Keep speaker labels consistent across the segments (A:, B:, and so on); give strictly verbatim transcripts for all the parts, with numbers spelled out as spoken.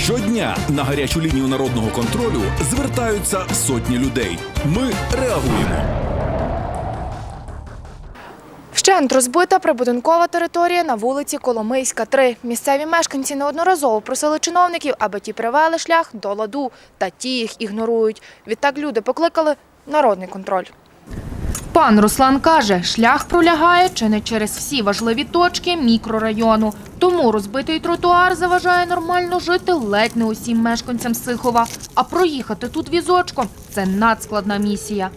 A: Щодня на гарячу лінію народного контролю звертаються сотні людей. Ми реагуємо.
B: Вщент розбита прибудинкова територія на вулиці Коломийська, три. Місцеві мешканці неодноразово просили чиновників, аби ті привели шлях до ладу, та ті їх ігнорують. Відтак люди покликали народний контроль. Пан Руслан каже, шлях пролягає чи не через всі важливі точки мікрорайону. Тому розбитий тротуар заважає нормально жити ледь не усім мешканцям Сихова. А проїхати тут візочком – це надскладна місія.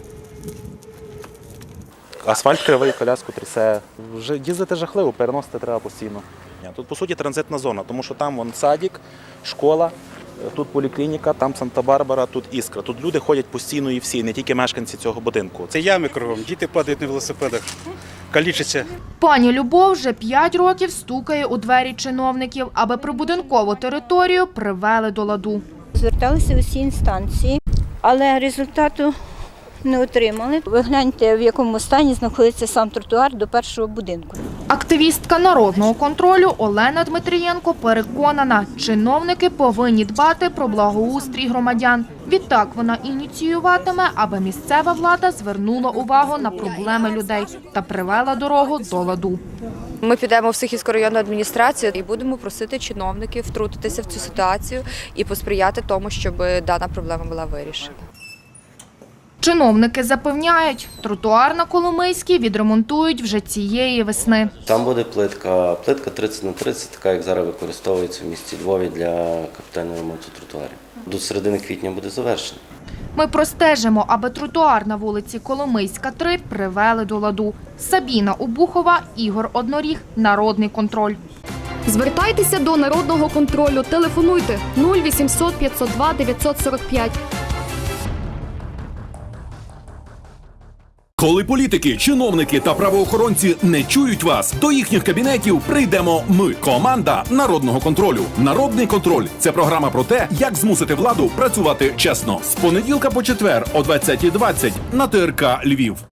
C: Асфальт кривий, коляску трясе. Вже їздити жахливо, переносити треба постійно. Тут, по суті, транзитна зона, тому що там вон садик, школа, тут поліклініка, там Санта-Барбара, тут Іскра. Тут люди ходять постійно і всі, не тільки мешканці цього будинку.
D: Це ями кругом, діти падають на велосипедах, калічаться.
B: Пані Любов вже п'ять років стукає у двері чиновників, аби прибудинкову територію привели до ладу.
E: Зверталися усі інстанції, але результату не отримали. Ви гляньте, в якому стані знаходиться сам тротуар до першого будинку.
B: Активістка народного контролю Олена Дмитрієнко переконана, чиновники повинні дбати про благоустрій громадян. Відтак вона ініціюватиме, аби місцева влада звернула увагу на проблеми людей та привела дорогу до ладу.
F: Ми підемо в Сихівську районну адміністрацію і будемо просити чиновників втрутитися в цю ситуацію і посприяти тому, щоб дана проблема була вирішена.
B: Чиновники запевняють, тротуар на Коломийській відремонтують вже цієї весни.
G: Там буде плитка, плитка тридцять на тридцять, така як зараз використовується в місті Львові для капітального ремонту тротуарів. До середини квітня буде завершено.
B: Ми простежимо, аби тротуар на вулиці Коломийська, три привели до ладу. Сабіна Обухова, Ігор Одноріг, Народний контроль.
H: Звертайтеся до Народного контролю. Телефонуйте нуль вісімсот п'ятсот два дев'ятсот сорок п'ять.
A: Коли політики, чиновники та правоохоронці не чують вас, до їхніх кабінетів прийдемо ми, команда Народного контролю. Народний контроль – це програма про те, як змусити владу працювати чесно. З понеділка по четвер о двадцятій двадцять на Т Р К Львів.